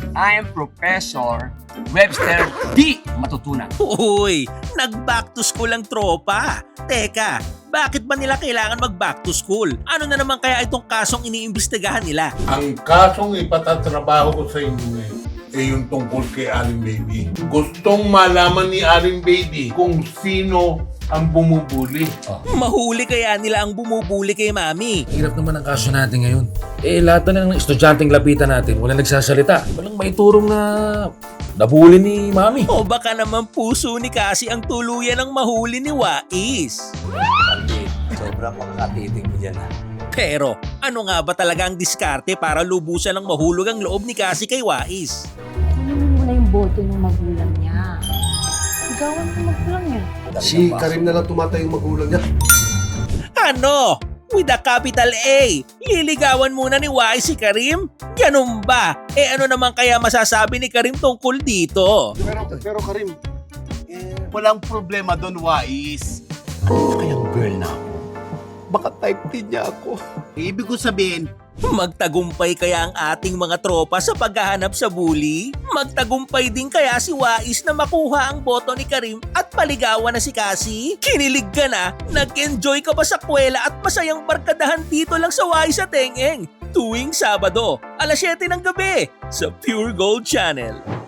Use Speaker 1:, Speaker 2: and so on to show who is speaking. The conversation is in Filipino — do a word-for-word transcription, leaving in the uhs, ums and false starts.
Speaker 1: I'm Professor Webster D. Matutunan.
Speaker 2: Uy, nag-back to school ang tropa. Teka, bakit ba nila kailangan mag-back to school? Ano na naman kaya itong kasong iniimbestigahan nila?
Speaker 3: Ang kasong ipatatrabaho ko sa inyo ngayon ay yung tungkol kay Aling Baby. Gustong malaman ni Aling Baby kung sino ang bumubuli.
Speaker 2: Mahuli kaya nila ang bumubuli kay Mami.
Speaker 4: Hirap naman ang kaso natin ngayon. Eh, lahat na ng estudyanteng lapitan natin, walang nagsasalita. Walang maiturong na nabuli ni Mami.
Speaker 2: O baka naman puso ni Cassie ang tuluyan ng mahuli ni Wais.
Speaker 5: Sobrang makakatitig mo dyan ha.
Speaker 2: Pero ano nga ba talaga ang diskarte para lubusan ng mahulog ang loob ni Cassie kay Wais?
Speaker 6: Kunin mo na yung boto ng magulang niya. Sigawan ng magulang niya.
Speaker 7: Si Karim na lang tumatay yung magulang niya.
Speaker 2: Ano? With a capital A, liligawan muna ni Wais si Karim? Ganun ba? Eh ano naman kaya masasabi ni Karim tungkol dito?
Speaker 7: Pero, pero Karim,
Speaker 5: Eh, walang problema doon, Wais. Ano kayang girl na ako? Baka type din niya ako. Ibig ko sabihin,
Speaker 2: Magtagumpay kaya ang ating mga tropa sa paghahanap sa bully? Magtagumpay din kaya si Wais na makuha ang boto ni Karim at paligawan na si Cassie? Kinilig ka na? Nag-enjoy ka ba sa kwela at masayang barkadahan dito lang sa Wais at Teng-Eng? Tuwing Sabado, alas siyete ng gabi sa Pure Gold Channel.